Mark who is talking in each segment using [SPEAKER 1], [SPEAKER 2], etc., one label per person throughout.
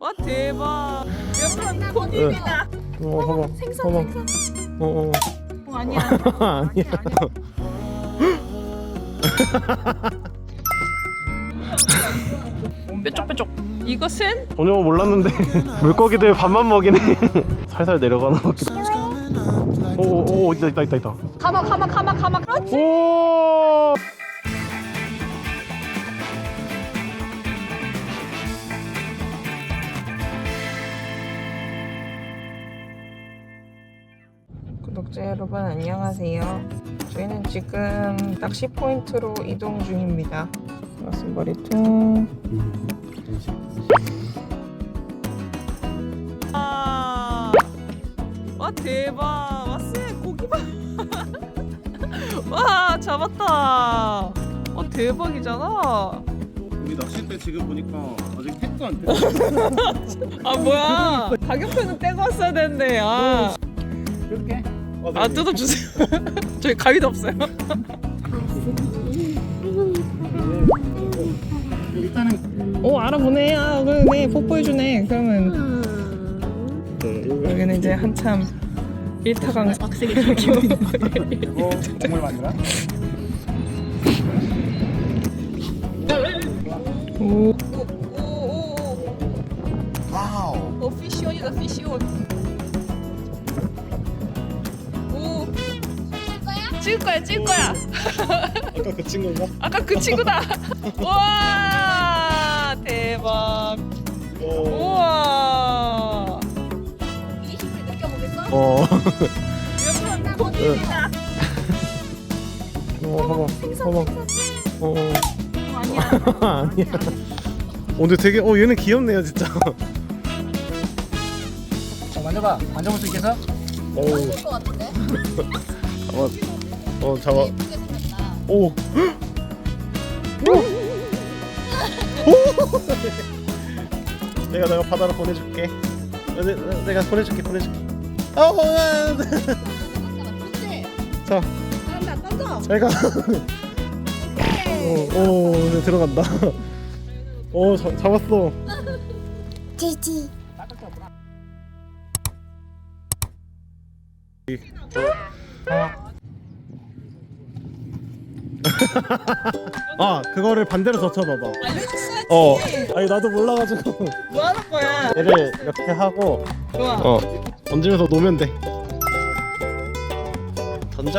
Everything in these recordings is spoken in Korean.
[SPEAKER 1] 와 대박. 여러분 고기입니다.
[SPEAKER 2] 봐봐.
[SPEAKER 1] 생선
[SPEAKER 2] 봐봐.
[SPEAKER 1] 생선. 아니야.
[SPEAKER 2] 아니야.
[SPEAKER 1] 뾰족뾰족. 이것은
[SPEAKER 2] 전혀 몰랐는데 물고기들 밥만 먹이네. 살살 내려가는 것 같기도. 오오오 있다.
[SPEAKER 1] 가마. 그렇지.
[SPEAKER 2] 오.
[SPEAKER 1] 구독자 여러분 안녕하세요. 저희는 지금 낚시 포인트로 이동 중입니다. 가슴머리통. 와 대박. 왔어 고기 봐. 와 잡았다. 와 대박이잖아.
[SPEAKER 2] 우리 낚싯대 지금 보니까 아직 택도 안 돼.
[SPEAKER 1] 아 뭐야. 가격표는 떼고 왔어야 되는데.
[SPEAKER 2] 이렇게?
[SPEAKER 1] 아 뜯어주세요. 저희 가위도 없어요.
[SPEAKER 2] 일단은
[SPEAKER 1] 오 알아보네. 아 그러네. 뽀뽀해주네. 그러면 여기는 이제 한참 1타강 빡세게 키우는
[SPEAKER 2] 이거 정말 만들어?
[SPEAKER 1] 오.
[SPEAKER 2] 와우.
[SPEAKER 1] 피시온이다 피시온. 오. 찍을 거야.
[SPEAKER 2] 아까 그 친구인가?
[SPEAKER 1] 아까 그 친구다. 와 대박. 우와.
[SPEAKER 3] 이 힘을 느껴보겠어?
[SPEAKER 1] 여러분 고기입니다. 아니야.
[SPEAKER 2] 아니야. 근데 되게 얘는 귀엽네요 진짜.
[SPEAKER 4] 만져봐. 만져볼 수 있겠어?
[SPEAKER 3] 안될 것 같은데?
[SPEAKER 2] 잡아.
[SPEAKER 3] 예쁘게 생겼다.
[SPEAKER 2] 오. 내가 바다로 보내줄게. 내가 보내줄게.
[SPEAKER 3] 근데
[SPEAKER 2] 자,
[SPEAKER 3] 사람들 안 던져.
[SPEAKER 2] 잘 가. 오, 들어간다. 잡았어.
[SPEAKER 3] 지지.
[SPEAKER 2] 그거를 반대로 젖혀봐봐.
[SPEAKER 1] 알려줬어야지.
[SPEAKER 2] 아니 나도 몰라가지고.
[SPEAKER 1] 뭐 하는 거야?
[SPEAKER 2] 얘를 이렇게 하고
[SPEAKER 1] 좋아.
[SPEAKER 2] 던지면서 놓으면 돼. 던져.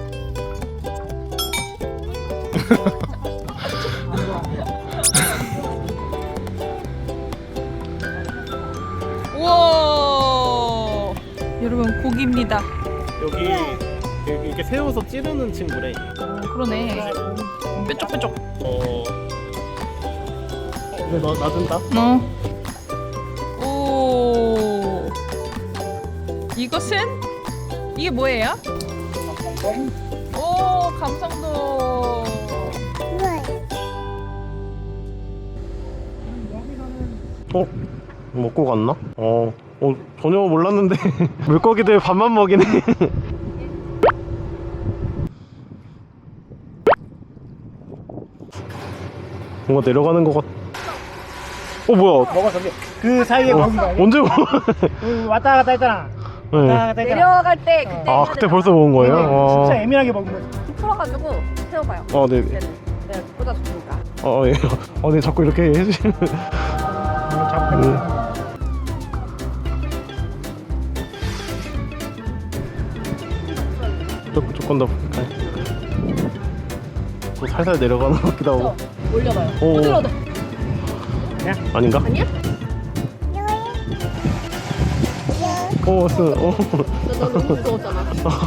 [SPEAKER 1] 우와. 여러분 고기입니다.
[SPEAKER 2] 여기 이렇게 세워서 찌르는 친구래.
[SPEAKER 1] 그러네. 뾰족뾰족.
[SPEAKER 2] 근데 놔준다.
[SPEAKER 1] 오. 이것은 이게 뭐예요? 오 감성도.
[SPEAKER 2] 먹고 갔나? 전혀 몰랐는데 물고기들 밥만 먹이네. 뭔가 내려가는 것 같. 뭐야?
[SPEAKER 4] 먹어 저기. 그 사이에 먹은 거 아니야?
[SPEAKER 2] 언제 먹어?
[SPEAKER 4] 왔다 갔다 했잖아.
[SPEAKER 2] 네.
[SPEAKER 4] 왔다 갔다 했잖아.
[SPEAKER 3] 내려갈 때 그때.
[SPEAKER 2] 그때 벌써 먹은 거예요?
[SPEAKER 4] 진짜 애매하게 먹은 거지.
[SPEAKER 3] 풀어가지고 세워봐요.
[SPEAKER 2] 네.
[SPEAKER 3] 네, 보다 좋으니까.
[SPEAKER 2] 예. 네, 자꾸 이렇게 해주시면. 조금 더 또 살살 내려가는 것 같기도 하고.
[SPEAKER 3] 올려봐요.
[SPEAKER 2] 오.
[SPEAKER 3] 들어도.
[SPEAKER 2] 아닌가?
[SPEAKER 3] 아니야?
[SPEAKER 2] 너
[SPEAKER 3] 너무 무서웠잖아.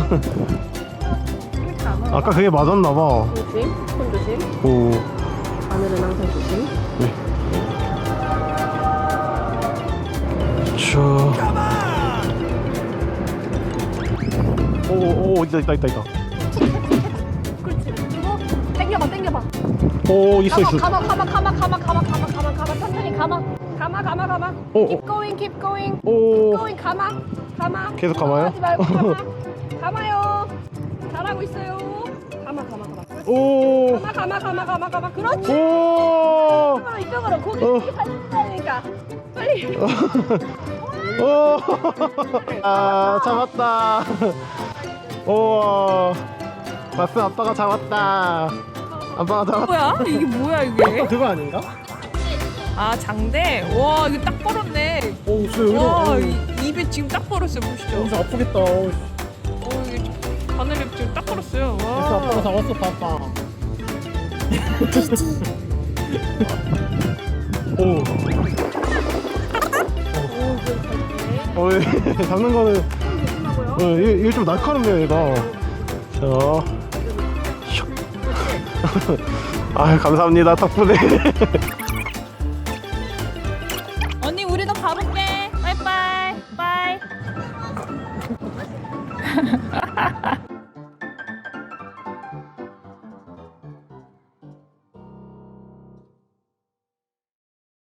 [SPEAKER 2] 아까 그게 맞았나봐.
[SPEAKER 3] 조심. 손 조심.
[SPEAKER 2] 오.
[SPEAKER 3] 바늘은 항상 조심.
[SPEAKER 2] 있다.
[SPEAKER 3] 그렇지. 그리고 당겨봐.
[SPEAKER 2] 있어.
[SPEAKER 3] 가마. 천천히 가마. Keep going. 가마.
[SPEAKER 2] 계속 감아요?
[SPEAKER 3] 하지 말고 가마요. 잘하고 있어요. 가마.
[SPEAKER 2] 오.
[SPEAKER 3] 가마. 그렇지.
[SPEAKER 2] 오.
[SPEAKER 3] 이쪽으로 고기 살려니까 빨리.
[SPEAKER 2] 오. 아, 잡았다. 우와. 마스 아빠가 잡았다. 아빠가 잡았다.
[SPEAKER 1] 뭐야? 이게 뭐야 이게?
[SPEAKER 2] 그거 아닌가?
[SPEAKER 1] 아 장대? 와 이거 딱 벌었네.
[SPEAKER 2] 오, 진짜
[SPEAKER 1] 와
[SPEAKER 2] 여기로.
[SPEAKER 1] 입에 지금 딱 벌었어요 보시죠.
[SPEAKER 2] 여기서 아프겠다. 오,
[SPEAKER 1] 이게 바늘에 지금 딱 벌었어요.
[SPEAKER 2] 그래서 아빠가
[SPEAKER 1] 와.
[SPEAKER 2] 잡았어, 봐봐. 오. 어, 잡는 거는 이게 좀 날카롭네요, 얘가. 자, 슉. 아, 감사합니다, 덕분에.
[SPEAKER 1] 언니 우리도 가볼게. 빠이빠이. 빠이.